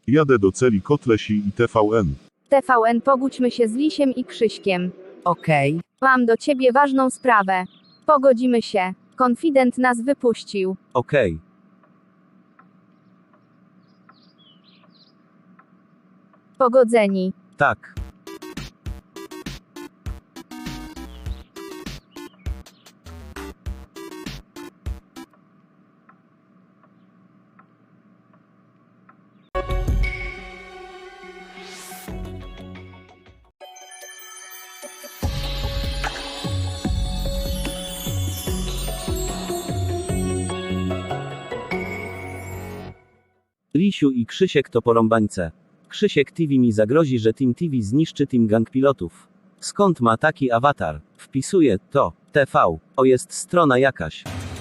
Jadę do celi Kotlesi i TVN. TVN, pogódźmy się z Lisiem i Krzyśkiem. Okej. Mam do ciebie ważną sprawę. Pogodzimy się. Konfident nas wypuścił. Okej. Pogodzeni. Tak. Lisiu i Krzysiek to porąbańce. Krzysiek TV mi zagrozi, że Team TV zniszczy Team Gang Pilotów. Skąd ma taki awatar? Wpisuję to. TV. O, jest strona jakaś.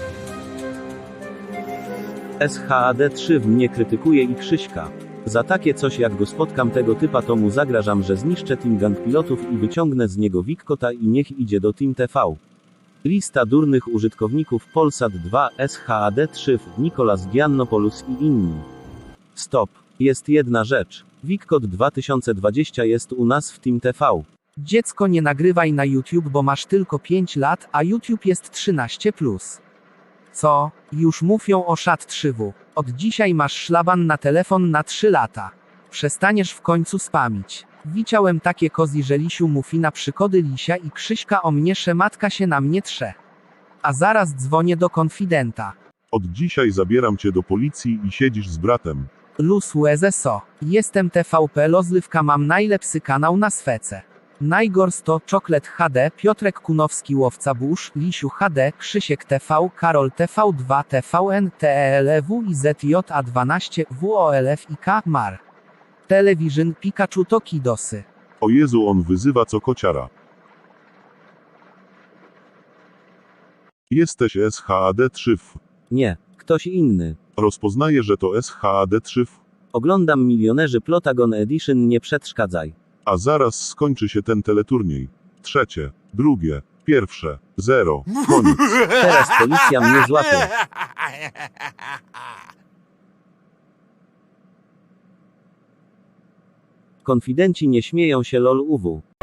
SHAD3 mnie krytykuje i Krzyśka. Za takie coś, jak go spotkam tego typa, to mu zagrażam, że zniszczę Team Gang Pilotów i wyciągnę z niego Wikkota i niech idzie do Team TV. Lista durnych użytkowników Polsat 2, SHAD3, Nicolas Giannopoulos i inni. Stop. Jest jedna rzecz. Wikkot 2020 jest u nas w Team TV. Dziecko, nie nagrywaj na YouTube, bo masz tylko 5 lat, a YouTube jest 13+. Co? Już mówią o szat 3W. Od dzisiaj masz szlaban na telefon na 3 lata. Przestaniesz w końcu spamić. Widziałem takie kozi, że Lisiu mówi na przykody Lisia i Krzyśka o mnie, że matka się na mnie trze. A zaraz dzwonię do konfidenta. Od dzisiaj zabieram cię do policji i siedzisz z bratem. Luz USSO. Jestem TVP Lozlywka, mam najlepszy kanał na swece. Najgors to Czoklet HD, Piotrek Kunowski, Łowca Burz, Lisiu HD, Krzysiek TV, Karol TV2, TVN, TELW i ZJA12, WOLF i K, Mar. Television, Pikachu to Kidosy. O Jezu, on wyzywa co kociara. Jesteś SHAD3. Nie, ktoś inny. Rozpoznaję, że to SHAD3. Oglądam Milionerzy Plotagon Edition, nie przeszkadzaj. A zaraz skończy się ten teleturniej. Trzecie, drugie, pierwsze, zero, koniec. Teraz policja mnie złapie. Konfidenci nie śmieją się, lol UW.